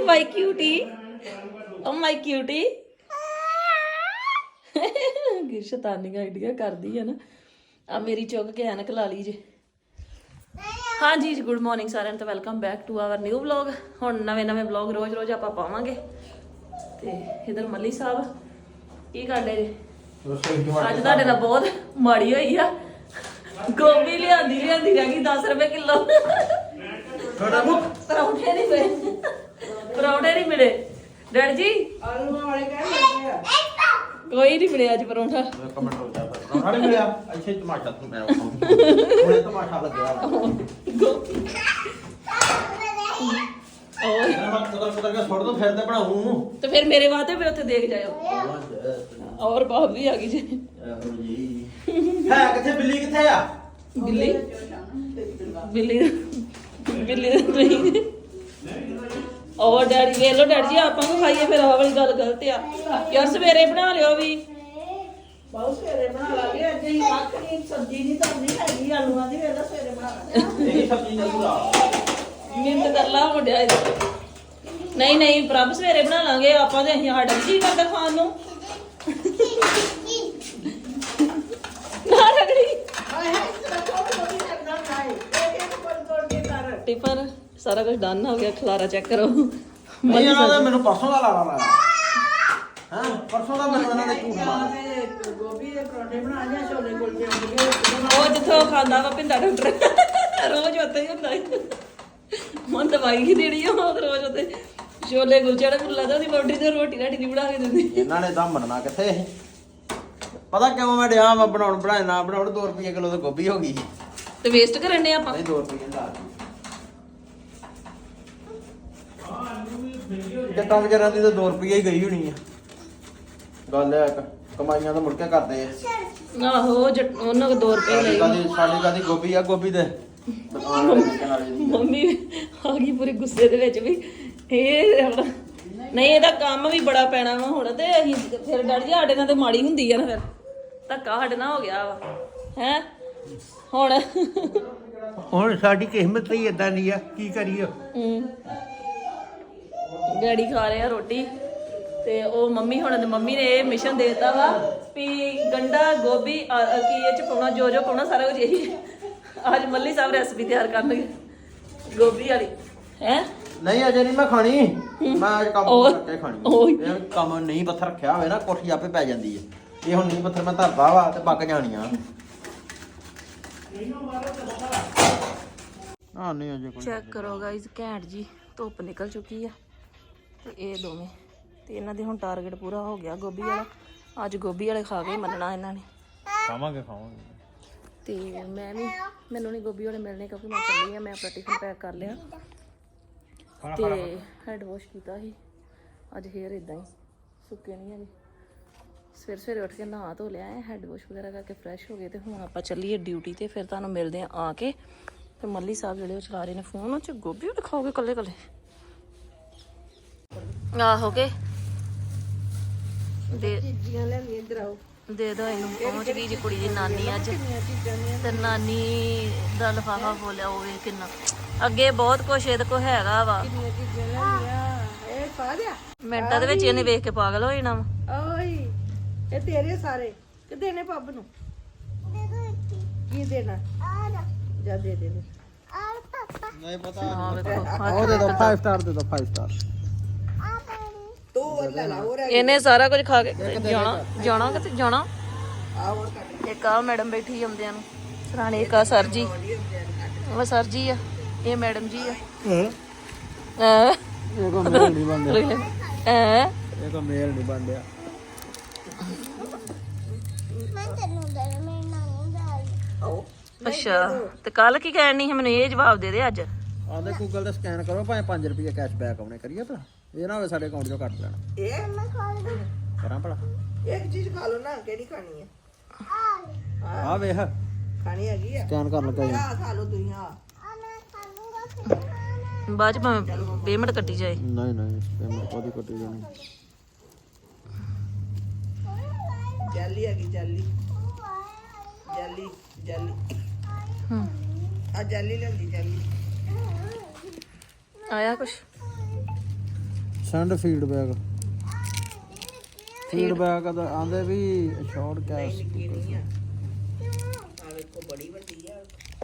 ਮਾਈ cutie ਓ ਮਾਈ cutie ਕਿ ਸ਼ੈਤਾਨੀਆਂ ਆਈਡੀਆਂ ਕਰਦੀ ਹੈ ਨਾ ਆ ਮੇਰੀ ਚੁੱਕ ਕੇ ਐਨਕ ਲਾ ਲਈ ਜੇ ਹਾਂਜੀ ਜੀ ਗੁੱਡ ਮਾਰਨਿੰਗ ਸਾਰਿਆਂ ਨੂੰ ਤੇ welcome back to our new vlog ਹੁਣ ਨਵੇਂ ਵਲੌਗ ਰੋਜ਼ ਆਪਾਂ ਪਾਵਾਂਗੇ ਤੇ ਇਧਰ ਮੱਲੀ ਸਾਹਿਬ ਕੀ ਕਰਦੇ ਜੀ ਅੱਜ ਤੁਹਾਡੇ ਨਾਲ ਬਹੁਤ ਮਾੜੀ ਹੋਈ ਆ ਗੋਭੀ ਲਿਆਂਦੀ ਰਹਿ ਗਈ 10 ਰੁਪਏ ਕਿਲੋ ਪਰੌਂਠੇ ਨਹੀਂ ਮਿਲੇ ਡੈਡ ਜੀ ਆਲੂਆਂ ਵਾਲੇ ਕਹਿੰਦੇ ਆ ਕੋਈ ਨਹੀਂ ਮਿਲਿਆ ਅੱਜ ਪਰੌਂਠਾ ਕਮੈਂਟ ਹੋ ਜਾ ਪਰੌਂਠਾ ਨਹੀਂ ਮਿਲਿਆ ਇੱਥੇ ਟਮਾਟਰ ਤੂੰ ਮੈਂ ਹੁਣੇ ਟਮਾਟਰ ਲੱਗਿਆ ਗੋਭੀ ਓਏ ਮੈਂ ਕੁਦਰ ਕੇ ਛੋੜ ਦੋ ਫਿਰ ਤੇ ਬਣਾਉਂ ਤੇ ਫਿਰ ਮੇਰੇ ਵਾਸਤੇ ਵੀ ਉੱਥੇ ਦੇਖ ਜਾਇਓ ਔਰ ਬਾਪ ਵੀ ਆ ਗਈ ਜੀ ਹੈ ਕਿੱਥੇ ਬਿੱਲੀ ਕਿੱਥੇ ਆ ਬਿੱਲੀ ਤੁਸੀਂ ਔਰ ਡੈਡੀ ਵੇਖ ਲੋ ਡੈਡੀ ਜੀ ਆਪਾਂ ਨੂੰ ਖਾਈਏ ਫਿਰ ਆਹ ਵਾਲੀ ਗੱਲ ਗਲਤ ਆ ਯਾਰ ਸਵੇਰੇ ਬਣਾ ਲਿਓ ਵੀ ਬਹੁਤ ਸਵੇਰੇ ਬਣਾ ਲਾਂਗੇ ਅੱਜ ਹੀ ਕੱਖ ਨਹੀਂ ਸਬਜ਼ੀ ਨਹੀਂ ਧਰਨੀ ਹੈਗੀ ਆਲੂਆਂ ਦੀ ਵੇਲਾ ਸਵੇਰੇ ਬਣਾ ਲਾਂਗੇ ਇਹ ਸਬਜ਼ੀ ਨਹੀਂ ਸੁਰਾ ਮਿੰਟ ਕਰ ਲਾ ਮੁੰਡਿਆ ਨਹੀਂ ਪ੍ਰਭ ਸਵੇਰੇ ਬਣਾ ਲਾਂਗੇ ਆਪਾਂ ਤੇ ਅਸੀਂ ਸਾਡਾ ਕੀ ਕਰਦਾ ਖਾਣ ਨੂੰ ਨਾ ਰਗੜੀ ਹਾਏ ਹਾਏ ਤੇਰਾ ਕੋਈ ਨਹੀਂ ਕਰਦਾ ਭਾਈ ਇੱਕ ਤੋੜ ਕੇ ਕਰ ਟਿਫਨ ਸਾਰਾ ਕੁਝ ਡਨ ਹੋ ਗਿਆ ਖਲਾਰਾ ਚੈੱਕ ਕਰੋ ਨਹੀਂ ਇਹਨਾਂ ਦਾ ਮੈਨੂੰ ਪਰਸੋਂ ਦਾ ਲਾਇਆ ਹਾਂ ਪਰਸੋਂ ਦਾ ਮੈਨੂੰ ਇਹਨਾਂ ਨੇ ਝੂਠ ਮਾਰਿਆ ਗੋਭੀ ਦੇ ਪਰੌਂਠੇ ਬਣਾ ਜਾਂ ਛੋਲੇ ਕੁਲਚੇ ਹੁੰਦੇ ਉਹ ਜਿੱਥੋਂ ਖਾਂਦਾ ਵਾ ਪਿੰਡਾ ਡਾਕਟਰ ਰੋਜ਼ ਉੱਥੇ ਹੀ ਹੁੰਦਾ ਮਨ ਦਵਾਈ ਹੀ ਦੇਣੀ ਆ ਉਹ ਰੋਜ਼ ਉੱਥੇ ਛੋਲੇ ਗੁਲਚੇ ਮੈਨੂੰ ਲੱਗਦਾ ਉਹਦੀ ਬਾਉਂਡਰੀ ਤੇ ਰੋਟੀ ਰਾਟੀ ਨਹੀਂ ਬਣਾ ਕੇ ਦਿੰਦੀ ਇਹਨਾਂ ਨੇ ਤਾਂ ਮੰਨਣਾ ਕਿੱਥੇ ਇਹ ਪਤਾ ਕਿਉਂ ਮੈਂ ਡਿਆ ਮੈਂ ਬਣਾਏ ਨਾ ਬਣਾਉਣ 2 ਰੁਪਏ ਕਿਲੋ ਤਾਂ ਗੋਭੀ ਹੋ ਗਈ ਤੇ ਵੇਸਟ ਕਰਨੇ ਆਪਾਂ ਨਹੀਂ 2 ਰੁਪਏ ਦਾ ਕਿੱਟਾਂ ਵਿਚਾਰਾਂ ਦੀ ਤਾਂ 2 ਰੁਪਏ ਹੀ ਗਈ ਹੋਣੀ ਆ ਗੱਲ ਹੈ ਕਮਾਈਆਂ ਤਾਂ ਮੁੜ ਕੇ ਕਰਦੇ ਆ ਆਹੋ ਉਹਨਾਂ ਕੋ 2 ਰੁਪਏ ਲਏ ਸਾਡੀ ਕਾਦੀ ਗੋਭੀ ਆ ਗੋਭੀ ਦੇ ਮੰਮੀ ਆ ਗਈ ਪੂਰੇ ਗੁੱਸੇ ਦੇ ਵਿੱਚ ਵੀ ਇਹ ਨਹੀਂ ਇਹਦਾ ਕੰਮ ਵੀ ਬੜਾ ਪੈਣਾ ਵਾ ਹੁਣ ਤੇ ਅਸੀਂ ਫਿਰ ਡੈਡੀ ਜੀ ਸਾਡੇ ਨਾਲ ਤੇ ਮਾੜੀ ਹੁੰਦੀ ਆ ਨਾ ਫਿਰ ਧੱਕਾ ਸਾਡੇ ਨਾਲ ਹੋ ਗਿਆ ਵਾ ਹੈ ਹੁਣ ਸਾਡੀ ਕਿਸਮਤ ਹੀ ਇਦਾਂ ਦੀ ਆ ਕੀ ਕਰੀਏ ਡੈਡੀ ਖਾ ਰਹੇ ਆ ਰੋਟੀ ਤੇ ਉਹ ਮੰਮੀ ਨੇ ਇਹ ਮਿਸ਼ਨ ਦੇ ਦਿੱਤਾ ਵਾ ਵੀ ਗੰਡਾ ਗੋਭੀ ਕੀ ਇਹ ਚ ਪਾਉਣਾ ਜੋ ਪਾਉਣਾ ਸਾਰਾ ਕੁਝ ਇਹੀ ਅੱਜ ਮੱਲੀ ਸਾਹਿਬ ਰੈਸਪੀ ਤਿਆਰ ਕਰਨਗੇ ਗੋਭੀ ਵਾਲੀ ਹੈ ਨਹੀਂ ਅਜੇ ਨਹੀਂ ਮੈਂ ਖਾਣੀ ਮੈਂ ਅੱਜ ਕੰਮ ਕਰਕੇ ਖਾਣੀ ਇਹ ਕੰਮ ਨਹੀਂ ਪੱਥਰ ਰੱਖਿਆ ਹੋਵੇ ਨਾ ਕੋਠੀ ਆਪੇ ਪੈ ਜਾਂਦੀ ਹੈ ਇਹ ਹੁਣ ਨਹੀਂ ਪੱਥਰ ਮੈਂ ਧਰਦਾ ਵਾ ਤੇ ਪੱਕ ਜਾਣੀਆਂ ਹਾਂ ਨਹੀਂ ਅਜੇ ਕੋਈ ਚੈੱਕ ਕਰੋ ਗਾਇਜ਼ ਘੈਂਟ ਜੀ ਧੁੱਪ ਨਿਕਲ ਚੁੱਕੀ ਆ ਤੇ ਇਹ ਦੋਵੇਂ ਤੇ ਇਹਨਾਂ ਦੇ ਹੁਣ ਟਾਰਗੇਟ ਪੂਰਾ ਹੋ ਗਿਆ ਗੋਭੀ ਵਾਲਾ ਅੱਜ ਗੋਭੀ ਵਾਲੇ ਖਾ ਕੇ ਮੰਨਣਾ ਇਹਨਾਂ ਨੇ ਖਾਵਾਂਗੇ ਤੇ ਮੈਨੂੰ ਨਹੀਂ ਗੋਭੀ ਵਾਲੇ ਮਿਲਣੇ ਕਿਉਂਕਿ ਮੈਂ ਚੱਲੀ ਆ ਮੈਂ ਆਪਣਾ ਟਿਫਨ ਪੈਕ ਕਰ ਲਿਆ ਤੇ ਹੈਡ ਵਾਸ਼ ਕੀਤਾ ਸੀ ਅੱਜ ਹੇਅਰ ਇਦਾਂ ਹੀ ਸੁੱਕੇ ਨਹੀਂ ਹੈਗੇ ਸਵੇਰੇ ਉੱਠ ਕੇ ਨਹਾ ਧੋ ਲਿਆ ਹੈ ਹੈਡ ਵਾਸ਼ ਵਗੈਰਾ ਕਰਕੇ ਫਰੈਸ਼ ਹੋ ਗਏ ਤੇ ਹੁਣ ਆਪਾਂ ਚੱਲੀਏ ਡਿਊਟੀ ਤੇ ਫਿਰ ਤੁਹਾਨੂੰ ਮਿਲਦੇ ਆ ਕੇ ਤੇ ਮੱਲੀ ਸਾਹਿਬ ਜਿਹੜੇ ਉਹ ਚਲਾ ਰਹੇ ਨੇ ਫੋਨ ਉਹ ਚ ਗੋਭੀ ਦਿਖਾਓਗੇ ਕੱਲੇ ਆਹੋ ਕੇ ਦੇ ਚੀਜ਼ੀਆਂ ਲੈ ਲਈ ਇੱਧਰ ਆਓ ਦੇ ਦੋ ਇਹਨੂੰ ਪਹੁੰਚ ਗਈ ਜੀ ਕੁੜੀ ਦੀ ਨਾਨੀ ਅੱਜ ਤੇ ਨਾਨੀ ਦਾ ਲਿਫਾਫਾ ਬੋਲਿਆ ਹੋਵੇ ਕਿੰਨਾ ਅੱਗੇ ਬਹੁਤ ਕੁਛ ਇਹਦੇ ਕੋ ਹੈਗਾ ਵਾ ਕਿੰਨੀਆਂ ਚੀਜ਼ਾਂ ਲੈ ਲਈਆਂ ਇਹ ਪਾ ਦਿਆ ਮਿੰਟਾਂ ਦੇ ਵਿੱਚ ਇਹਨੇ ਵੇਖ ਕੇ ਪਾਗਲ ਹੋ ਜਾਣਾ ਵਾ ਓਏ ਇਹ ਤੇਰੇ ਸਾਰੇ ਕਿ ਦੇਣੇ ਪੱਬ ਨੂੰ ਕੀ ਦੇਣਾ ਜਾ ਦੇ ਦੇ ਨਹੀਂ ਪਤਾ ਹਾਂ ਵੇਖੋ ਉਹ ਦੇ ਦੋ 5 ਸਟਾਰ ਦੇ ਦੋ 5 ਸਟਾਰ ਤੂੰ ਲੈ ਲਾ ਹੋਰ ਇਹਨੇ ਸਾਰਾ ਕੁਝ ਖਾ ਕੇ ਜਾਣਾ ਕਿਤੇ ਜਾਣਾ ਆ ਹੋਰ ਕੱਟ ਇੱਕ ਆ ਮੈਡਮ ਬੈਠੀ ਆਉਂਦਿਆਂ ਨੂੰ ਸਰਾਣੇ ਇੱਕ ਆ ਸਰ ਜੀ ਉਹ ਸਰ ਜੀ ਆ ਇਹ ਮੈਡਮ ਜੀ ਆ ਇਹ ਕੋ ਮੇਲ ਨਹੀਂ ਬਣਿਆ ਇਹ ਕੋ ਮੇਲ ਨਹੀਂ ਬਣਿਆ ਅੱਛਾ ਤੇ ਕੱਲ ਕੀ ਕਹਿਣੀ ਸੀ ਮੈਨੂੰ ਇਹ ਜਵਾਬ ਦੇ ਦੇ ਅੱਜ ਆਂਦੇ ਗੂਗਲ ਤੇ ਸਕੈਨ ਕਰੋ ਭਾਵੇਂ 5 ਰੁਪਏ ਕੈਸ਼ਬੈਕ ਆਉਣੇ ਕਰੀਏ ਤਾਂ ਇਹ ਨਾ ਹੋਵੇ ਸਾਡੇ ਅਕਾਊਂਟ ਚੋਂ ਕੱਟ ਲੈਣ ਇਹ ਮੈਂ ਖਾ ਲਈ ਕਰਾਂ ਭਲਾ ਇੱਕ ਚੀਜ਼ ਖਾ ਲਓ ਨਾ ਕਿਹੜੀ ਖਾਣੀ ਹੈ ਆ ਵੇਖ ਖਾਣੀ ਹੈਗੀ ਆ ਸਕੈਨ ਕਰਨ ਲੱਗਾ ਆ ਖਾ ਲਓ ਤੁਸੀਂ ਆ ਬਾਅਦ ਚ ਭਾਵੇਂ ਪੇਮੈਂਟ ਕੱਟੀ ਜਾਏ ਨਹੀਂ ਪੇਮੈਂਟ ਕੋਦੀ ਕੱਟੀ ਜਾਣੀ ਜੈਲੀ ਹੈਗੀ ਜੈਲੀ ਆ ਜੈਲੀ ਲੈਂਦੀ ਜੈਲੀ ਆਇਆ ਕੁਛ ਸੈਂਡ ਫੀਡਬੈਕ ਦਾ ਆਂਦੇ ਵੀ ਸ਼ਾਰਟ ਕੈਸ਼ ਆ ਵੇਖੋ ਬੜੀ ਵੱਡੀ ਆ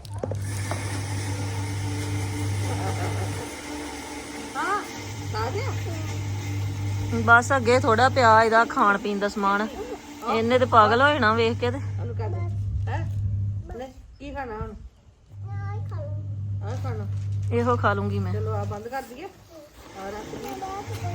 ਹਾਂ ਖਾ ਗਿਆ ਬਸ ਅੱਗੇ ਥੋੜਾ ਪਿਆ ਇਹਦਾ ਖਾਣ ਪੀਣ ਦਾ ਸਮਾਨ ਇਹਨੇ ਤੇ ਪਾਗਲ ਹੋ ਜਾਣਾ ਵੇਖ ਕੇ ਤੇ ਉਹਨੂੰ ਕਰ ਦੇ ਹੈ ਲੈ ਕੀ ਖਾਣਾ ਹੁਣ ਆ ਖਾਣਾ ਇਹੋ ਖਾ ਲੂੰਗੀ ਮੈਂ ਚਲੋ ਆ ਬੰਦ ਕਰ ਦਈਏ ਆ ਰੱਖ ਦਈਏ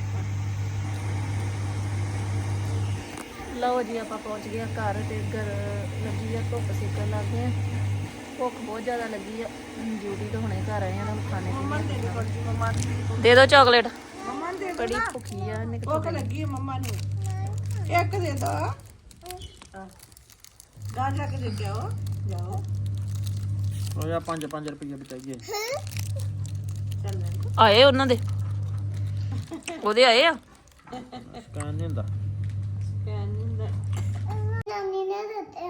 ਲਓ ਜੀ ਆਪਾਂ ਪਹੁੰਚ ਗਏ ਘਰ ਤੇ ਘਰ ਲੱਗੀ ਆ ਧੁੱਪ ਸੇਕਣ ਲੱਗ ਗਏ ਭੁੱਖ ਬਹੁਤ ਜ਼ਿਆਦਾ ਲੱਗੀ ਆ ਡਿਊਟੀ ਤੋਂ ਹੁਣੇ ਘਰ ਆਏ ਆ ਨਾ ਖਾਣੇ ਮੰਮਾ ਦੇ ਦੇ ਪਰਚੀ ਮੰਮਾ ਦੀ ਦੇ ਦਿਓ ਚਾਕਲੇਟ ਮੰਮਾ ਨੂੰ ਦੇ ਦੋ ਬੜੀ ਨਾ ਭੁੱਖੀ ਆ ਇਹਨੇ ਭੁੱਖ ਲੱਗੀ ਹੈ ਮੰਮਾ ਨੂੰ ਇੱਕ ਦੇ ਦੋ ਗਾ ਜਾ ਕੇ ਦੇ ਕੇ ਆਓ ਜਾਓ ਉਹ ਜਾਂ 5 ਰੁਪਏ ਬਚਾਈਏ ਚੱਲ ਲੈ ਆਏ ਉਹਨਾਂ ਦੇ ਉਹਦੇ ਆਏ ਆ ਸਕੈਨ ਨਹੀਂ ਹੁੰਦਾ ਕਹਿਣ ਨਹੀਂ ਦਾ ਨਾਨੀ ਨੇ ਦਿੱਤੇ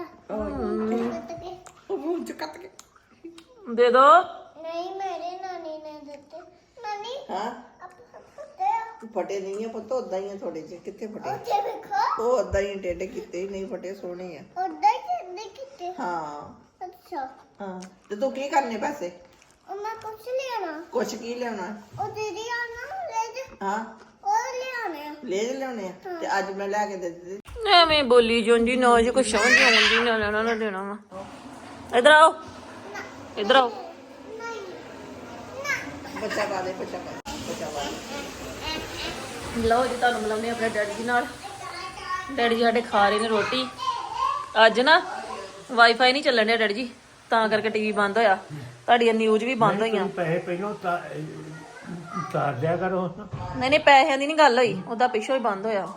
ਉਹ ਮੂੰਹ ਚ ਕੱਟ ਕੇ ਦੇ ਦੋ ਨਹੀਂ ਮੇਰੇ ਨਾਨੀ ਨੇ ਦਿੱਤੇ ਨਾਨੀ ਹਾਂ ਫਤੇ ਫਟੇ ਨਹੀਂ ਆ ਪੁੱਤ ਉਦਾਂ ਹੀ ਆ ਥੋੜੇ ਜਿਹੇ ਕਿੱਥੇ ਫਟੇ ਉੱਥੇ ਵੇਖੋ ਉਹ ਉਦਾਂ ਹੀ ਟੇਡੇ ਕੀਤੇ ਹੀ ਨਹੀਂ ਫਟੇ ਸੋਹਣੇ ਆ ਉੱਦਾਂ ਹੀ ਕਹਿੰਦੇ ਕਿਤੇ ਹਾਂ ਅੱਛਾ ਹਾਂ ਤੇ ਤੂੰ ਕੀ ਕਰਨੇ ਪੈਸੇ ਉਹ ਮੈਂ ਕੁਛ ਲਿਆਣਾ ਕੁਛ ਕੀ ਲਿਆਉਣਾ ਉਹ ਦੀਦੀ ਆਣਾ ਲੈ ਜਾ ਹਾਂ ਉਹ ਲਿਆਣੇ ਲੈ ਲਿਆਉਣੇ ਆ ਤੇ ਅੱਜ ਮੈਂ ਲੈ ਕੇ ਦੇ ਦਿੱਤੇ ਐਵੇਂ ਬੋਲੀ ਜਾਂਦੀ ਨਾ ਜੇ ਕੁਛ ਸਮਝ ਆਉਂਦੀ ਨਾ ਲੈਣਾ ਨਾ ਦੇਣਾ ਵਾ ਇਧਰ ਆਓ ਇਧਰ ਆਓ ਬੱਚਾ ਪਾ ਦੇ ਬੱਚਾ ਪਾ ਦੇ ਲਓ ਜੀ ਤੁਹਾਨੂੰ ਮਿਲਾਉਂਦੇ ਆਪਣੇ ਡੈਡੀ ਜੀ ਨਾਲ ਡੈਡੀ ਜੀ ਸਾਡੇ ਖਾ ਰਹੇ ਨੇ ਰੋਟੀ ਅੱਜ ਨਾ ਵਾਈਫਾਈ ਨਹੀਂ ਚੱਲਣ ਡਿਆ ਡੈਡੀ ਜੀ ਤਾਂ ਕਰਕੇ ਟੀਵੀ ਬੰਦ ਹੋਇਆ ਤੁਹਾਡੀਆਂ ਨਿਊਜ਼ ਵੀ ਬੰਦ ਹੋਈਆਂ ਪੈਸੇ ਪਹਿਲਾਂ ਤਾਰ ਦਿਆ ਕਰੋ ਨਹੀਂ ਪੈਸਿਆਂ ਦੀ ਨਹੀਂ ਗੱਲ ਹੋਈ ਉਹਦਾ ਪਿੱਛੋਂ ਹੀ ਬੰਦ ਹੋਇਆ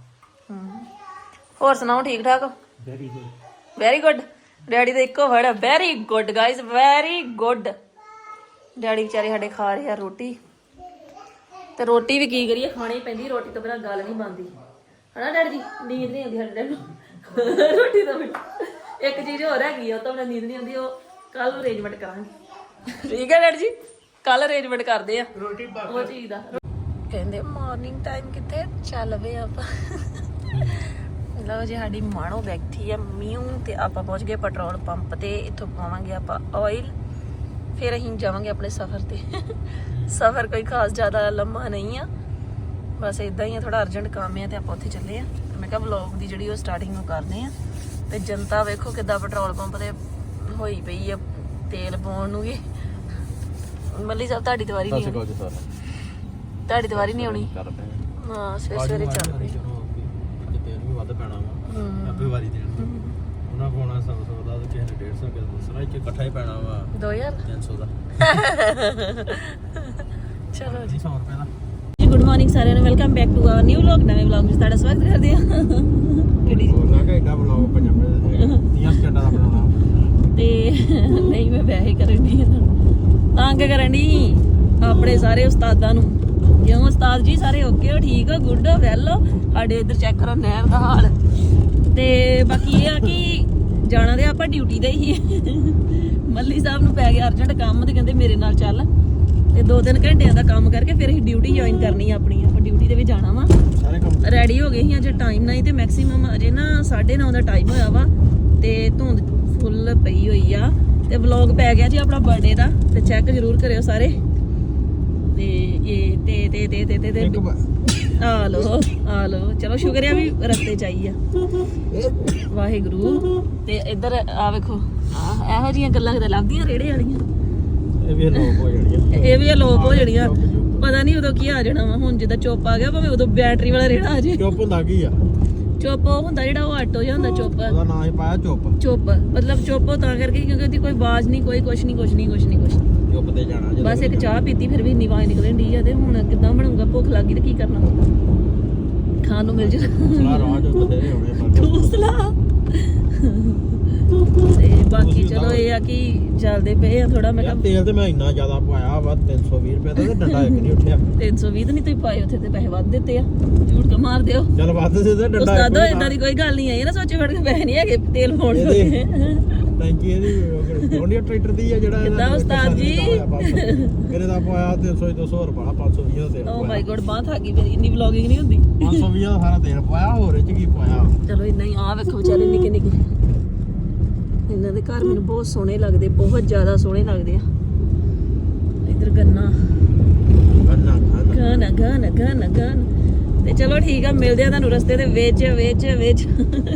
ਹੋਰ ਸੁਣਾਓ ਠੀਕ ਠਾਕ very good very good daddy ਦਾ ਇੱਕੋ ਵਰਡ ਹੈ very good guys very good daddy ਵਿਚਾਰੇ ਸਾਡੇ ਖਾ ਰਹੇ ਆ ਰੋਟੀ ਤੇ ਰੋਟੀ ਵੀ ਕੀ ਕਰੀਏ ਖਾਣੀ ਪੈਂਦੀ ਰੋਟੀ ਤੋਂ ਬਿਨਾਂ ਗੱਲ ਨਹੀਂ ਬਣਦੀ ਹਨਾ ਡੈਡੀ ਜੀ ਨੀਂਦ ਨਹੀਂ ਆਉਂਦੀ ਸਾਡੇ ਡੈਡੀ ਨੂੰ ਰੋਟੀ ਤੋਂ ਬਿਨਾਂ ਇੱਕ ਚੀਜ਼ ਹੋਰ ਹੈਗੀ ਆ ਉਹ ਤਾਂ ਮੈਨੂੰ ਨੀਂਦ ਨਹੀਂ ਆਉਂਦੀ ਉਹ ਕੱਲ ਅਰੇਂਜਮੈਂਟ ਕਰਾਂਗੇ ਠੀਕ ਹੈ ਡੈਡੀ ਜੀ ਕੱਲ ਅਰੇਂਜਮੈਂਟ ਕਰਦੇ ਆ ਰੋਟੀ ਉਹ ਚੀਜ਼ ਦਾ ਕਹਿੰਦੇ ਮਾਰਨਿੰਗ ਟਾਈਮ ਕਿੱਥੇ ਚੱਲ ਵੇ ਆਪਾਂ ਲਓ ਜੀ ਸਾਡੀ ਮਾਣੋ ਬੈਠੀ ਆ ਮਿਊ ਤੇ ਆਪਾਂ ਪਹੁੰਚ ਗਏ ਪੈਟਰੋਲ ਪੰਪ ਤੇ ਇੱਥੋਂ ਪਾਵਾਂਗੇ ਆਪਾਂ ਆਇਲ ਫਿਰ ਅਸੀਂ ਜਾਵਾਂਗੇ ਆਪਣੇ ਸਫ਼ਰ ਤੇ ਸਫ਼ਰ ਕੋਈ ਖਾਸ ਜ਼ਿਆਦਾ ਲੰਮਾ ਨਹੀਂ ਆ ਬਸ ਇਦਾਂ ਹੀ ਆ ਥੋੜਾ ਅਰਜੈਂਟ ਕੰਮ ਆ ਤੇ ਆਪਾਂ ਉੱਥੇ ਚੱਲੇ ਆ ਮੈਂ ਕਿਹਾ ਵਲੌਗ ਦੀ ਜਿਹੜੀ ਉਹ ਸਟਾਰਟਿੰਗ ਨੂੰ ਕਰਦੇ ਆ ਤੇ ਜਨਤਾ ਵੇਖੋ ਕਿੱਦਾਂ ਪੈਟਰੋਲ ਪੰਪ ਤੇ ਹੋਈ ਪਈ ਆ ਤੇਲ ਪਾਉਣ ਨੂੰ ਵੀ ਮੱਲੀ ਸਾਹਿਬ ਤੁਹਾਡੀ ਦੀਵਾਰੀ ਨਹੀਂ ਆਉਣੀ ਤੁਹਾਡੀ ਦੀਵਾਰੀ ਨਹੀਂ ਆਉਣੀ ਹਾਂ ਸਵੇਰੇ ਚੱਲ ਪਈ ਅੱਜ ਤੇਲ ਵੀ ਵੱਧ ਪੈਣਾ ਵਾ ਆਪੇ ਵਾਰੀ ਦੇਣ ਉਹਨਾਂ ਕੋਣਾ 100 ਦਾ ਤੇ ਕਿਸੇ ਨੇ 150 ਕਿਲੋ ਦੂਸਰਾ ਇੱਕ ਇਕੱਠਾ ਹੀ ਪੈਣਾ ਵਾ 2000 300 ਦਾ ਚਲੋ ਜੀ 100 ਰੁਪਏ ਦਾ ਜੀ ਗੁੱਡ ਮਾਰਨਿੰਗ ਸਾਰਿਆਂ ਨੂੰ welcome back to our new vlog ਨਵੇਂ ਵਲੌਗ ਵਿੱਚ ਤੁਹਾਡਾ ਸਵਾਗਤ ਕਰਦੇ ਹਾਂ ਕਿਹੜੀ ਉਹਨਾਂ ਘੰਟਾ ਬਲੌਗ ਪੰਜਾਬੀ 30 ਸਕਿੰਟਾਂ ਦਾ ਬਣਾਉਣਾ ਤੇ ਨਹੀਂ ਮੈਂ ਵੈਸੇ ਕਰਨ ਦੀ ਤੰਗ ਕਰਨ ਦੀ ਆਪਣੇ ਸਾਰੇ ਉਸਤਾਦਾਂ ਨੂੰ ਕਿਉਂ ਉਸਤਾਦ ਜੀ ਸਾਰੇ ਓਕੇ ਹੋ ਠੀਕ ਹੋ ਗੁੱਡ ਹੋ ਵੈਲ ਹੋ ਸਾਡੇ ਇੱਧਰ ਚੈੱਕ ਕਰੋ ਨਹਿਰ ਦਾ ਹਾਲ ਤੇ ਬਾਕੀ ਇਹ ਆ ਕਿ ਜਾਣਾ ਤੇ ਆਪਾਂ ਡਿਊਟੀ ਤੇ ਹੀ ਮੱਲੀ ਸਾਹਿਬ ਨੂੰ ਪੈ ਗਿਆ ਅਰਜੈਂਟ ਕੰਮ ਤੇ ਕਹਿੰਦੇ ਮੇਰੇ ਨਾਲ ਚੱਲ ਤੇ 2-3 ਘੰਟਿਆਂ ਦਾ ਕੰਮ ਕਰਕੇ ਫਿਰ ਅਸੀਂ ਡਿਊਟੀ ਜੁਆਇਨ ਕਰਨੀ ਆ ਆਪਣੀ ਆਪਾਂ ਡਿਊਟੀ ਤੇ ਵੀ ਜਾਣਾ ਵਾ ਸਾਰੇ ਕੰਮ ਰੈਡੀ ਹੋ ਗਏ ਸੀ ਅਜੇ ਟਾਈਮ ਨਹੀਂ ਤੇ ਮੈਕਸਿਮਮ ਅਜੇ ਨਾ 9:30 ਦਾ ਟਾਈਮ ਹੋਇਆ ਵਾ ਤੇ ਧੁੰਦ ਫੁੱਲ ਪਈ ਹੋਈ ਆ ਤੇ ਵਲੌਗ ਪੈ ਗਿਆ ਜੀ ਆਪਣਾ ਬਰਥਡੇ ਦਾ ਤੇ ਚੈੱਕ ਜ਼ਰੂਰ ਕਰਿਓ ਸਾਰੇ ਤੇ ਇਹ ਤੇ ਆ ਲੋ ਚਲੋ ਸ਼ੁਕਰੀਆ ਵੀ ਰਸਤੇ ਚ ਆਈ ਆ ਵਾਹਿਗੁਰੂ ਤੇ ਇੱਧਰ ਆ ਵੇਖੋ ਇਹੋ ਜਿਹੀਆਂ ਗੱਲਾਂ ਕਿਤੇ ਲੱਭਦੀਆਂ ਰੇੜੇ ਵਾਲੀਆਂ ਇਹ ਵੀ ਲੋਕ ਹੋ ਜਾਣੀਆਂ ਇਹ ਵੀ ਅਲੋਪ ਹੋ ਜਾਣੀਆਂ ਪਤਾ ਨਹੀਂ ਉਦੋਂ ਕੀ ਆ ਜਾਣਾ ਵਾ ਹੁਣ ਜਿੱਦਾਂ ਚੁੱਪ ਆ ਗਿਆ ਭਾਵੇਂ ਉਦੋਂ ਬੈਟਰੀ ਵਾਲਾ ਰੇੜਾ ਆ ਜੇ ਚੁੱਪ ਹੁੰਦਾ ਕੀ ਆ ਚੁੱਪ ਉਹ ਹੁੰਦਾ ਜਿਹੜਾ ਉਹ ਆਟੋ ਜਿਹਾ ਹੁੰਦਾ ਚੁੱਪ ਉਹਦਾ ਨਾਂ ਹੀ ਪਾਇਆ ਚੁੱਪ ਮਤਲਬ ਚੁੱਪ ਉਹ ਤਾਂ ਕਰਕੇ ਕਿਉਂਕਿ ਉਹਦੀ ਕੋਈ ਆਵਾਜ਼ ਨਹੀਂ ਕੋਈ ਕੁਛ ਨਹੀਂ ਚੁੱਪ ਤੇ ਜਾਣਾ ਜਦੋਂ ਬਸ ਇੱਕ ਚਾਹ ਪੀਤੀ ਫਿਰ ਵੀ ਇੰਨੀ ਆਵਾਜ਼ ਨਿਕਲਣ ਡਈ ਆ ਤੇ ਹੁਣ ਕਿੱਦਾਂ ਬਣੂਗਾ ਭੁੱਖ ਲੱਗੀ ਤੇ ਕੀ ਕਰਨਾ ਖਾਣ ਨੂੰ ਮਿਲ ਜੇ ਸਲਾ ਰਾਜ ਬਥੇਰੇ ਹੋਣੇ ਪਰ ਦੂਸਰਾ ਤੇ ਬਾਕੀ ਚਲੋ ਇਹ ਆ ਕਿ ਚੱਲਦੇ ਪਏ ਆ ਥੋੜਾ ਮੈਂ ਯਾਰ ਤੇਲ ਤੇ ਮੈਂ ਇੰਨਾ ਜ਼ਿਆਦਾ ਪਾਇਆ ਵਾ 320 ਰੁਪਏ ਦਾ ਤੇ ਡੰਡਾ ਇੱਕ ਨਹੀਂ ਉੱਠਿਆ 320 ਤਾਂ ਨਹੀਂ ਤੁਸੀਂ ਪਾਏ ਉੱਥੇ ਤੇ ਪੈਸੇ ਵੱਧ ਦਿੱਤੇ ਆ ਝੂਠ ਕਾ ਮਾਰ ਦਿਓ ਚੱਲ ਵੱਧ ਦੇ ਤੇ ਡੰਡਾ ਉਸਤਾਦੋ ਇਦਾਂ ਦੀ ਕੋਈ ਗੱਲ ਨਹੀਂ ਆਈ ਨਾ ਸੋਚੇ ਫੜ ਕੇ ਪੈਸੇ ਨਹੀਂ ਹੈਗੇ ਤੇਲ ਪਾਉਣ ਦੇ ਟੈਂਕੀ ਇਹਦੀ ਜੌਂਡੀਆ ਟਰੈਕਟਰ ਦੀ ਆ ਜਿਹੜਾ ਕਿੱਦਾਂ ਉਸਤਾਦ ਜੀ? ਕਿਹਨੇ ਦਾ ਪਾਇਆ 300 200 ਰੁਪਏ 520 ਦਾ ਤੇਲ ਓ ਮਾਈ ਗੋਡ ਬਾਹ ਥਾ ਗਈ ਮੇਰੀ, ਇੰਨੀ ਵਲੌਗਿੰਗ ਨਹੀਂ ਹੁੰਦੀ। 520 ਦਾ ਸਾਰਾ ਤੇਲ ਪਾਇਆ, ਹੋਰ ਇਹ ਚ ਕੀ ਪਾਇਆ? ਚਲੋ ਇੰਨਾ ਹੀ। ਆ ਵੇਖੋ ਵਿਚਾਰੇ ਨਿੱਕੇ ਨਿੱਕੇ, ਇਹਨਾਂ ਦੇ ਘਰ ਮੈਨੂੰ ਬਹੁਤ ਸੋਹਣੇ ਲੱਗਦੇ, ਬਹੁਤ ਜ਼ਿਆਦਾ ਸੋਹਣੇ ਲੱਗਦੇ ਆ। ਇਧਰ ਗੰਨਾ ਗਾਣਾ ਗਾਣਾ ਗਾਣਾ ਗਾਣਾ। ਤੇ ਚਲੋ ਠੀਕ ਆ, ਮਿਲਦੇ ਆ ਤੁਹਾਨੂੰ ਰਸਤੇ ਦੇ ਵਿੱਚ ਵਿੱਚ ਵਿੱਚ।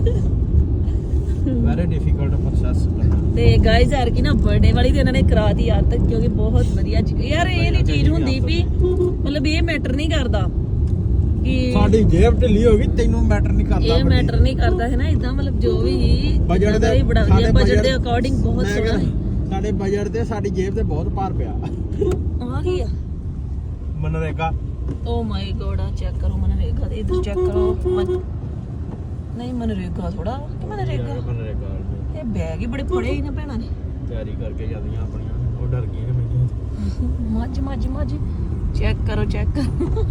ਵੈਰੀ ਡਿਫਿਕਲਟ ਪ੍ਰੋਸੈਸ ਕਰਨਾ। ਤੇ ਗਾਇਜ਼ ਯਾਰ ਕੀ ਨਾ ਬਰਥਡੇ ਵਾਲੀ ਤੇ ਇਹਨਾਂ ਨੇ ਕਰਾਤੀ ਯਾਰ ਤੱਕ, ਕਿਉਂਕਿ ਬਹੁਤ ਵਧੀਆ ਯਾਰ ਇਹ ਨਹੀਂ ਚੀਜ਼ ਹੁੰਦੀ ਵੀ ਮਤਲਬ ਇਹ ਮੈਟਰ ਨਹੀਂ ਕਰਦਾ ਕਿ ਸਾਡੀ ਜੇਬ ਢਿੱਲੀ ਹੋ ਗਈ, ਤੈਨੂੰ ਮੈਟਰ ਨਹੀਂ ਕਰਦਾ। ਇਹ ਮੈਟਰ ਨਹੀਂ ਕਰਦਾ ਹੈ ਨਾ, ਇਦਾਂ ਮਤਲਬ ਜੋ ਵੀ ਬਜਟ ਦੇ ਹੀ ਬੜਾ ਵਧੀਆ, ਬਜਟ ਦੇ ਅਕੋਰਡਿੰਗ ਬਹੁਤ ਸੋਹਣਾ ਹੈ। ਸਾਡੇ ਬਜਟ ਤੇ ਸਾਡੀ ਜੇਬ ਤੇ ਬਹੁਤ ਭਾਰ ਪਿਆ। ਆ ਕੀ ਆ? ਮਨਰੇਗਾ। ਓ ਮਾਈ ਗੋਡ, ਆ ਚੈੱਕ ਕਰੋ ਮਨਰੇਗਾ ਦੇ, ਇਧਰ ਚੈੱਕ ਕਰੋ। ਨਹੀਂ ਮਨਰੇਗਾ ਥੋੜਾ ਕਿ ਮਨਰੇਗਾ, ਇਹ ਬੈਗ ਹੀ ਬੜੇ ਫੜੇ ਹੀ ਨਾ ਭੈਣਾਂ ਨੇ। ਤਿਆਰੀ ਕਰਕੇ ਜਾਂਦੀਆਂ ਆਪਣੀਆਂ, ਉਹ ਡਰ ਗਈਆਂ ਕਿ ਮੈਨੂੰ ਮੱਝ ਮੱਝ ਮੱਝ ਚੈੱਕ ਕਰੋ ਚੈੱਕ ਕਰੋ।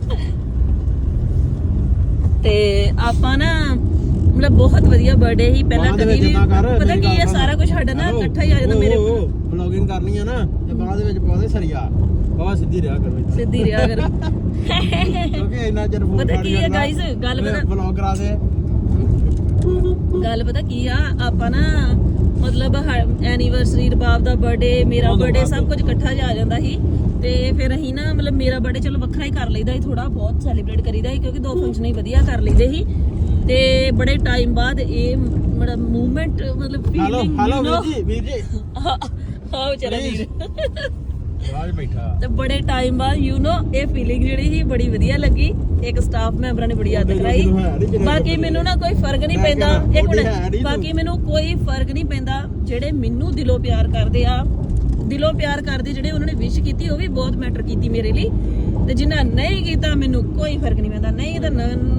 ਤੇ ਆਪਾਂ ਨਾ ਮਤਲਬ ਬਹੁਤ ਵਧੀਆ ਬਰਥਡੇ ਹੀ, ਪਹਿਲਾਂ ਕਦੀ ਵੀ ਪਤਾ ਕੀ ਹੈ ਸਾਰਾ ਕੁਝ ਸਾਡਾ ਨਾ ਇਕੱਠਾ ਹੀ ਆ ਜਾਂਦਾ। ਮੇਰੇ ਵਲੌਗਿੰਗ ਕਰਨੀ ਆ ਨਾ ਤੇ ਬਾਅਦ ਵਿੱਚ ਪਾਉਂਦੇ ਸਰੀਆ ਬਾਬਾ ਸਿੱਧੀ ਰਿਹਾ ਕਰੋ, ਸਿੱਧੀ ਰਿਹਾ ਕਰੋ। ਕਿਉਂਕਿ ਇੰਨਾ ਚਿਰ ਫੋਨ ਪਤਾ ਕੀ ਹੈ ਗਾਇਸ, ਗੱਲ ਪਤਾ ਵਲੌਗਰਾਂ ਦੇ ਗੱਲ ਪਤਾ ਕੀ ਆ, ਆਪਾਂ ਨਾ ਮਤਲਬ ਐਨੀਵਰਸਰੀ, ਰਬਾਬ ਦਾ ਬਰਥਡੇ, ਮੇਰਾ ਬਰਥਡੇ ਸਭ ਕੁਝ ਇਕੱਠਾ ਜਾ ਆ ਜਾਂਦਾ ਸੀ। ਤੇ ਫਿਰ ਅਸੀਂ ਨਾ ਮਤਲਬ ਮੇਰਾ ਬਰਥਡੇ ਚਲੋ ਵੱਖਰਾ ਹੀ ਕਰ ਲਈਦਾ ਸੀ, ਥੋੜਾ ਬਹੁਤ ਸੈਲੀਬ੍ਰੇਟ ਕਰੀਦਾ ਸੀ ਕਿਉਂਕਿ 2 ਫੰਕਸ਼ਨ ਹੀ ਵਧੀਆ ਕਰ ਲਈਦੇ ਸੀ। ਤੇ ਬੜੇ ਟਾਈਮ ਬਾਅਦ ਇਹ ਮਤਲਬ ਮੂਵਮੈਂਟ ਮਤਲਬ ਫੀਲਿੰਗ ਹੈਲੋ ਵੀਰ ਜੀ ਹਾਂ ਵਿਚਾਰਾ ਵੀਰ ਰਾਜ ਬੈਠਾ। ਤੇ ਬੜੇ ਟਾਈਮ ਬਾਅਦ ਇਹ ਫੀਲਿੰਗ ਜਿਹੜੀ ਸੀ ਬੜੀ ਵਧੀਆ ਲੱਗੀ। ਇੱਕ ਸਟਾਫ ਮੈਂਬਰਾਂ ਨੇ ਬੜੀ ਯਾਦ ਕਰਾਈ। ਬਾਕੀ ਮੈਨੂੰ ਨਾ ਕੋਈ ਫਰਕ ਨਹੀਂ ਪੈਂਦਾ, ਇੱਕ ਮਿੰਟ, ਬਾਕੀ ਮੈਨੂੰ ਕੋਈ ਫਰਕ ਨਹੀਂ ਪੈਂਦਾ। ਜਿਹੜੇ ਮੈਨੂੰ ਦਿਲੋਂ ਪਿਆਰ ਕਰਦੇ ਆ, ਦਿਲੋਂ ਪਿਆਰ ਕਰਦੇ ਜਿਹੜੇ ਉਹਨਾਂ ਨੇ ਵਿਸ਼ ਕੀਤੀ, ਉਹ ਵੀ ਬਹੁਤ ਮੈਟਰ ਕੀਤੀ ਮੇਰੇ ਲਈ। ਤੇ ਜਿਨ੍ਹਾਂ ਨਹੀਂ ਕੀਤਾ ਮੈਨੂੰ ਕੋਈ ਫਰਕ ਨਹੀਂ ਪੈਂਦਾ। ਨਹੀਂ ਤਾਂ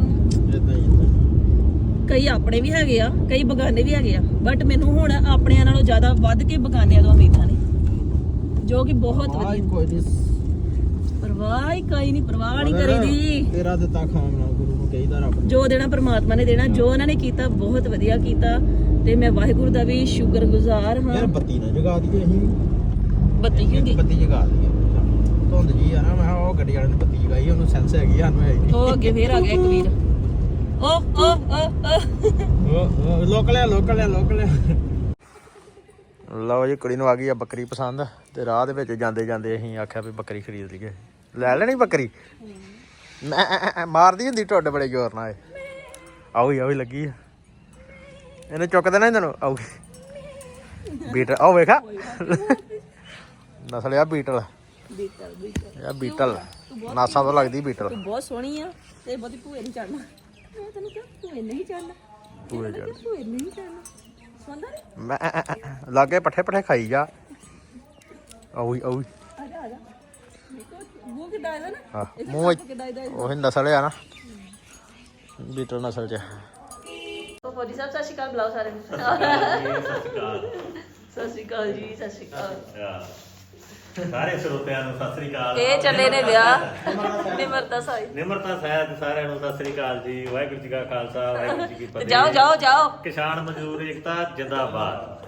ਕਈ ਆਪਣੇ ਵੀ ਹੈਗੇ ਆ, ਕਈ ਬਗਾਨੇ ਵੀ ਹੈਗੇ ਆ, ਬਟ ਮੈਨੂੰ ਹੁਣ ਆਪਣਿਆਂ ਨਾਲੋਂ ਜ਼ਿਆਦਾ ਵੱਧ ਕੇ ਬਗਾਨਿਆਂ ਤੋਂ ਉਮੀਦਾਂ ਨੇ, ਜੋ ਕਿ ਬਹੁਤ ਵਧੀਆ। ਪਰਵਾਹ ਹੀ ਕੋਈ ਨਹੀਂ, ਪਰਵਾਹ ਨਹੀਂ ਕਰੀਦੀ। ਤੇਰਾ ਦਿੱਤਾ ਖਾਣਾ ਗੁਰੂ ਨੂੰ ਕਹੀਦਾ ਰੱਬ ਜੋ ਦੇਣਾ ਪਰਮਾਤਮਾ ਨੇ ਦੇਣਾ, ਜੋ ਉਹਨਾਂ ਨੇ ਕੀਤਾ ਬਹੁਤ ਵਧੀਆ ਕੀਤਾ। ਤੇ ਮੈਂ ਵਾਹਿਗੁਰੂ ਦਾ ਵੀ ਸ਼ੁਕਰਗੁਜ਼ਾਰ ਹਾਂ। ਯਾਰ ਬੱਤੀ ਨਾ ਜਗਾ ਦਈਏ ਅਸੀਂ, ਬੱਤੀ ਕਿਉਂ ਗਈ? ਬੱਤੀ ਜਗਾ ਦਈਏ, ਧੁੰਦ ਜੀ ਆ ਨਾ। ਮੈਂ ਉਹ ਗੱਡੀ ਵਾਲੇ ਨੇ ਬੱਤੀ ਜਗਾਈ, ਉਹਨੂੰ ਸੈਂਸ ਹੈਗੀ, ਸਾਨੂੰ ਹੈ ਨਹੀਂ। ਉਹ ਅੱਗੇ ਫੇਰ ਆ ਗਿਆ ਇੱਕ ਵੀਰ। ਲੋਕਲ ਲਓ ਜੀ, ਕੁੜੀ ਨੂੰ ਆ ਗਈ ਆ ਬੱਕਰੀ ਪਸੰਦ। ਤੇ ਰਾਹ ਦੇ ਵਿੱਚ ਜਾਂਦੇ ਜਾਂਦੇ ਅਸੀਂ ਆਖਿਆ ਵੀ ਬੱਕਰੀ ਖਰੀਦ ਲਈਏ। ਲੈ ਲੈਣੀ ਬੱਕਰੀ? ਮੈਂ ਮਾਰਦੀ ਹੁੰਦੀ ਢੁੱਡ ਬੜੇ ਜ਼ੋਰ ਨਾਲ। ਆਉ ਲੱਗੀ ਆ, ਇਹਨੇ ਚੁੱਕ ਦੇਣਾ ਇਹਨਾਂ ਨੂੰ। ਆਉ ਬੀਟਲ, ਆਓ ਵੇਖਾ ਨਸਲ ਆ ਬੀਟਲ। ਇਹ ਬੀਟਲ ਨਾਸਾ ਤੋਂ ਲੱਗਦੀ ਬੀਟਲ। ਤੂੰ ਬਹੁਤ ਸੋਹਣੀ ਆ ਤੇ ਬਹੁਤੀ ਭੂਏ ਨਹੀਂ ਚੜਨਾ। ਮੈਂ ਤੈਨੂੰ ਕਿਹਾ ਭੂਏ ਨਹੀਂ ਚੜਨਾ, ਭੂਏ ਚੜ ਭੂਏ ਨਹੀਂ ਚੜਨਾ। ਸੁਣਦਾ ਨਹੀਂ? ਮੈਂ ਲਾਗੇ ਪੱਠੇ ਖਾਈ ਜਾ। ਆਉ ਆ ਜਾ ਆ ਜਾ। ਮੂੰਹ ਕਿੱਦਾਂ ਇਹਦਾ ਨਾ, ਹਾਂ ਇਹਦੇ ਮੂੰਹ ਹੱਥ ਕਿੱਦਾਂ ਇਹਦਾ। ਉਹ ਨਸਲ ਆ ਨਾ ਬੀਟਲ ਨਸਲ ਚ। ਫੌਜੀ ਸਾਹਿਬ ਸਤਿ ਸ਼੍ਰੀ ਅਕਾਲ ਬੁਲਾਓ ਸਾਰੇ ਨੂੰ। ਸਤਿ ਸ਼੍ਰੀ ਅਕਾਲ ਜੀ, ਸਤਿ ਸ਼੍ਰੀ ਅਕਾਲ ਸਾਰੇ ਸਰੋਤਿਆਂ ਨੂੰ ਸਤਿ ਸ੍ਰੀ ਅਕਾਲ। ਇਹ ਚੱਲੇ ਨੇ ਵਿਆਹ ਨਿਮਰਤਾ ਸਾਹਿਬ। ਨਿਮਰਤਾ ਸਾਹਿਬ ਸਾਰਿਆਂ ਨੂੰ ਸਤਿ ਸ੍ਰੀ ਅਕਾਲ ਜੀ। ਵਾਹਿਗੁਰੂ ਜੀ ਕਾ ਖਾਲਸਾ, ਵਾਹਿਗੁਰੂ ਜੀ ਕੀ ਫਤਿਹ। ਜਾਓ ਕਿਸਾਨ ਮਜ਼ਦੂਰ ਏਕਤਾ ਜਿੰਦਾਬਾਦ।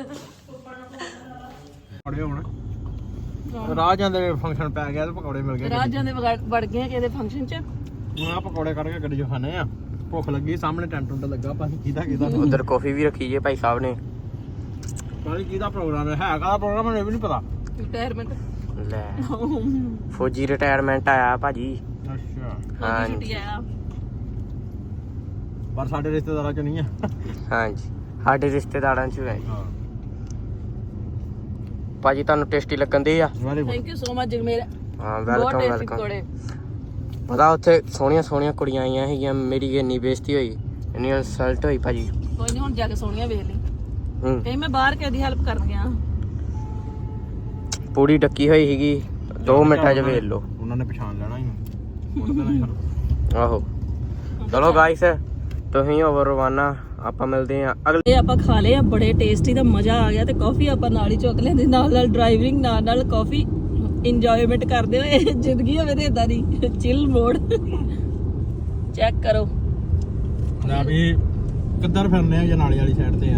ਪਕੌੜੇ ਹੁਣ ਰਾਹ ਜਾਂਦੇ ਫੰਕਸ਼ਨ ਪੈ ਗਿਆ ਤੇ ਪਕੌੜੇ ਮਿਲ ਗਏ। ਰਾਜਾਂ ਦੇ ਵੜ ਗਏ ਕਿਸੇ ਦੇ ਫੰਕਸ਼ਨ 'ਚ। ਹੁਣ ਆ ਪਕੌੜੇ ਕੱਢ ਕੇ ਗੱਡੀ 'ਚ ਖਾਣੇ ਆ। ਭੁੱਖ ਲੱਗੀ, ਸਾਹਮਣੇ ਟੈਂਟ ਟੁੰਟ ਲੱਗਾ, ਪਾਣੀ ਕਿਹਦਾ ਉਧਰ ਕਾਫੀ ਵੀ ਰੱਖੀ ਜੇ ਭਾਈ ਸਾਹਿਬ ਨੇ। ਪਾਣੀ ਕਿਹਦਾ ਪ੍ਰੋਗਰਾਮ ਹੈ? ਹੈਗਾ ਪ੍ਰੋਗਰਾਮ ਮੈਨੂੰ ਵੀ ਨਹੀਂ ਪਤਾ। ਰਿਟਾਇਰਮੈਂਟ ਲੈ ਫੌਜੀ ਰਿਟਾਇਰਮੈਂਟ ਆਇਆ ਭਾਜੀ। ਅੱਛਾ ਹਾਂ ਛੁੱਟੀ ਆਇਆ। ਪਰ ਸਾਡੇ ਰਿਸ਼ਤੇਦਾਰਾਂ 'ਚ ਨਹੀਂ ਆ। ਹਾਂਜੀ ਸਾਡੇ ਰਿਸ਼ਤੇਦਾਰਾਂ ਚ ਹੈ ਹਾਂ ਭਾਜੀ। ਤੁਹਾਨੂੰ ਟੇਸਟੀ ਲੱਗਣ ਦੇ ਆ? Very good. Thank you so much Jagmer. ਹਾਂ ਬਹੁਤ ਵੈਲਕਮ ਟੇਸਟੀ ਵੈਲਕਮ। ਪਕੌੜੇ। ਪਤਾ ਉੱਥੇ ਸੋਹਣੀਆਂ ਕੁੜੀਆਂ ਆਈਆਂ ਸੀਗੀਆਂ, ਮੇਰੀ ਇੰਨੀ ਬੇਇੱਜ਼ਤੀ ਹੋਈ, ਇੰਨੀ ਇਨਸਲਟ ਹੋਈ ਭਾਜੀ। ਕੋਈ ਨਹੀਂ, ਹੁਣ ਜਾ ਕੇ ਸੋਹਣੀਆਂ ਵੇਖ ਲਈ। ਹੂੰ ਕਹੀਂ ਮੈਂ ਬਾਹਰ ਕਿਸੇ ਦੀ ਹੈਲਪ ਕਰਨ ਗਿਆ। ਪੂਰੀ ਡੱਕੀ ਹੋਈ ਸੀਗੀ, 2 ਮਿੰਟਾਂ ਚ ਵੇਖ ਲਓ। ਉਹਨਾਂ ਨੇ ਪਛਾਣ ਲੈਣਾ ਹੀ। ਆਹੋ ਚਲੋ ਗਾਇਸ, ਤੁਸੀਂ ਹੋਵੋ ਰਵਾਨਾ, ਆਪਾਂ ਮਿਲਦੇ ਆ ਅਗਲੇ। ਇਹ ਆਪਾਂ ਖਾ ਲਏ ਆ, ਬੜੇ ਟੇਸਟੀ ਦਾ ਮਜ਼ਾ ਆ ਗਿਆ। ਤੇ ਕਾਫੀ ਆਪਾਂ ਨਾਲ ਹੀ ਚੁੱਕ ਲੈਂਦੇ, ਨਾਲ ਡਰਾਈਵਿੰਗ, ਨਾਲ ਕਾਫੀ ਇੰਜੋਇਮੈਂਟ ਕਰਦੇ ਹੋਏ। ਜ਼ਿੰਦਗੀ ਹੋਵੇ ਤੇ ਇਦਾਂ ਦੀ ਚਿਲ ਮੋਡ। ਚੈੱਕ ਕਰੋ ਨਾ ਵੀ ਕਿੱਧਰ ਫਿਰਨੇ ਆ? ਜਨਾਲੇ ਵਾਲੀ ਸਾਈਡ ਤੇ ਆ।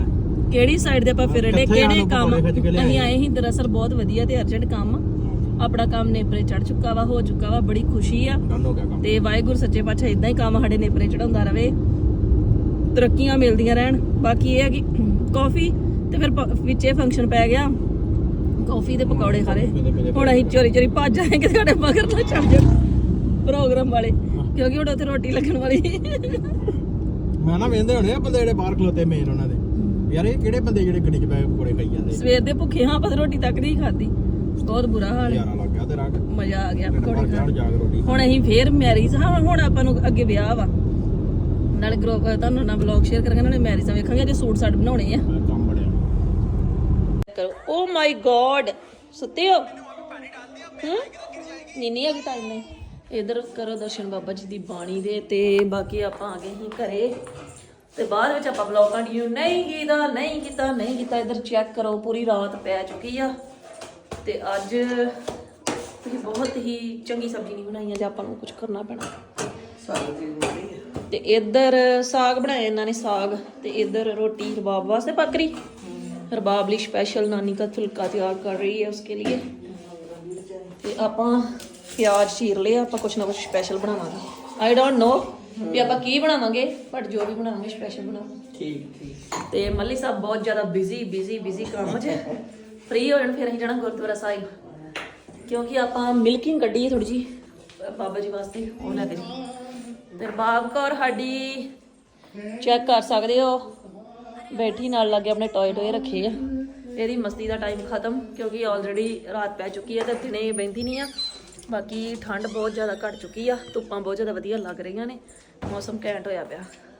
ਕਿਹੜੀ ਸਾਈਡ ਦੇ ਆਪਾਂ ਫਿਰਦੇ ਕਿੱਥੇ ਕਿਹੜੇ ਸਾਨੂੰ ਕੰਮ ਪਕੌੜੇ ਖਿੱਚ ਕੇ ਲਿਆਏ। ਅਸੀਂ ਆਏ ਸੀ ਦਰਅਸਲ ਬਹੁਤ ਵਧੀਆ ਤੇ ਅਰਜੈਂਟ ਕੰਮ ਆਪਣਾ ਕੰਮ ਨੇਪਰੇ ਚੜ ਚੁੱਕਾ ਵਾ ਹੋ ਚੁੱਕਾ ਵਾ ਬੜੀ ਖੁਸ਼ੀ ਆ ਡਨ ਹੋ ਗਿਆ ਕੰਮ। ਤੇ ਵਾਹਿਗੁਰੂ ਸੱਚੇ ਪਾਤਸ਼ਾਹ ਇਦਾਂ ਹੀ ਕੰਮ ਸਾਡੇ ਨੇਪਰੇ ਚੜਾਉਂਦਾ ਰਵੇ ਤਰੱਕੀਆਂ ਮਿਲਦੀਆਂ ਰਹਿਣ ਬਾਕੀ ਇਹ ਹੈ ਕਿ ਕਾਫੀ ਤੇ ਫਿਰ ਵਿੱਚੇ ਫੰਕਸ਼ਨ ਪੈ ਗਿਆ ਕਾਫੀ ਦੇ ਪਕੌੜੇ ਖਾਲੇ ਹੁਣ ਅਸੀਂ ਚੋਰੀ ਚੋਰੀ ਭੱਜ ਆਏ ਕਿ ਸਾਡੇ ਮਗਰ ਨਾ ਚੱਲ ਜਾਣ ਪ੍ਰੋਗਰਾਮ ਵਾਲੇ ਕਿਉਂਕਿ ਹੁਣ ਉੱਥੇ ਰੋਟੀ ਲੱਗਣ ਵਾਲੀ ਮੈਂ ਨਾ ਵੇਂਦੇ ਹੋਣੇ ਆ ਬੰਦੇ ਜਿਹੜੇ ਬਾਹਰ ਖਲੋਤੇ ਮੇਨ ਉਹਨਾਂ ਦੇ ਯਾਰ ਇਹ ਕਿਹੜੇ ਬੰਦੇ ਜਿਹੜੇ ਗੱਡੀ 'ਚ ਬੈ ਪਕੌੜੇ ਖਾਈ ਜਾਂਦੇ ਸਵੇਰ ਦੇ ਭੁੱਖੇ ਹਾਂ ਪਰ ਰੋਟੀ ਤੱਕ ਨਹੀਂ ਖਾਦੀ ਬਹੁਤ ਬੁਰਾ ਹਾਲ ਹੈ ਯਾਰਾ ਲੱਗ ਗਿਆ ਤੇ ਰਾਗ ਮਜ਼ਾ ਆ ਗਿਆ ਪਕੌੜੇ ਬਾਹਰ ਖਾਣ ਜਾ ਕੇ ਰੋਟੀ ਹੁਣ ਅਸੀਂ ਫੇਰ ਮੈਰਿਜ ਹਾਂ ਹੁਣ ਆਪਾਂ ਨੂੰ ਅੱਗੇ ਵਿਆਹ ਵਾ ਨਾਲੇ ਗਰੁੱਪ ਤੁਹਾਨੂੰ ਨਾਲ ਵਲੌਗ ਸ਼ੇਅਰ ਕਰਾਂਗੇ ਨਾਲੇ ਮੈਰਿਜਾਂ ਵੇਖਾਂਗੇ ਜੇ ਸੂਟ ਸਾਟ ਬਣਾਉਣੇ ਆ ਕੰਮ ਬੜਿਆ ਕਰੋ ਓ ਮਾਈ ਗॉड ਸੁੱਤੇ ਹੋ ਨੀਨੀ ਆ ਗਈ ਟਾਈਮ ਨਹੀਂ ਇਧਰ ਕਰੋ ਦਰਸ਼ਨ ਬਾਬਾ ਜੀ ਦੀ ਬਾਣੀ ਦੇ ਤੇ ਬਾਕੀ ਆਪਾਂ ਆ ਗਏ ਹੀ ਘਰੇ ਤੇ ਬਾਅਦ ਵਿੱਚ ਆਪਾਂ ਵਲੌਗ ਕੰਟੀਨਿਊ ਨਹੀਂ ਕੀਤਾ ਇਧਰ ਚੈੱਕ ਕਰੋ ਪੂਰੀ ਰਾਤ ਪੈ ਚੁੱਕੀ ਆ ਤੇ ਅੱਜ ਤੁਸੀਂ ਬਹੁਤ ਹੀ ਚੰਗੀ ਸਬਜ਼ੀ ਨਹੀਂ ਬਣਾਈ ਅੱਜ ਆਪਾਂ ਨੂੰ ਕੁਝ ਕਰਨਾ ਪੈਣਾ ਤੇ ਇਧਰ ਸਾਗ ਬਣਾਇਆ ਇਹਨਾਂ ਨੇ ਸਾਗ ਤੇ ਇਧਰ रोटी रबाब वास्ते पक रही रबाब ਲਈ स्पेशल नानी का फुल्का तैयार कर रही है उसके लिए ਤੇ ਆਪਾਂ ਪਿਆਜ਼ ਚੀਰ ਲਿਆ ਆਪਾਂ ਕੁਛ ਨਾ ਕੁਛ ਸਪੈਸ਼ਲ ਬਣਾਵਾਂਗੇ ਆਈ ਡੋਨਟ ਨੋ ਵੀ ਆਪਾਂ ਕੀ ਬਣਾਵਾਂਗੇ ਬਟ ਜੋ ਵੀ ਬਣਾਵਾਂਗੇ ਸਪੈਸ਼ਲ ਬਣਾਵਾਂਗੇ ਠੀਕ ਤੇ ਮੱਲੀ ਸਾਹਿਬ ਬਹੁਤ ਜ਼ਿਆਦਾ ਬਿਜ਼ੀ ਕੰਮ 'ਚ ਫ੍ਰੀ ਹੋ ਜਾਣ ਫਿਰ ਅਸੀਂ ਜਾਣਾ ਗੁਰਦੁਆਰਾ ਸਾਹਿਬ ਕਿਉਂਕਿ ਆਪਾਂ ਮਿਲਕਿੰਗ ਕੱਢੀ ਹੈ ਥੋੜੀ ਜੀ ਬਾਬਾ ਜੀ ਵਾਸਤੇ ਉਹ ਲੈ ਕੇ ਜੀ ਤੇ ਬਾਬ ਕੌਰ ਸਾਡੀ ਚੈੱਕ ਕਰ ਸਕਦੇ ਹੋ ਬੈਠੀ ਨਾਲ ਲੱਗੇ ਆਪਣੇ ਟੋਏ ਰੱਖੇ ਆ ਇਹਦੀ ਮਸਤੀ ਦਾ ਟਾਈਮ ਖਤਮ ਕਿਉਂਕਿ ਆਲਰੇਡੀ ਰਾਤ ਪੈ ਚੁੱਕੀ ਹੈ ਤੇ ਦਿਨੇ ਬਹਿੰਦੀ ਨਹੀਂ ਆ ਬਾਕੀ ਠੰਡ ਬਹੁਤ ਜ਼ਿਆਦਾ ਘਟ ਚੁੱਕੀ ਆ ਧੁੱਪਾਂ ਬਹੁਤ ਜ਼ਿਆਦਾ ਵਧੀਆ ਲੱਗ ਰਹੀਆਂ ਨੇ ਮੌਸਮ ਘੈਂਟ ਹੋਇਆ ਪਿਆ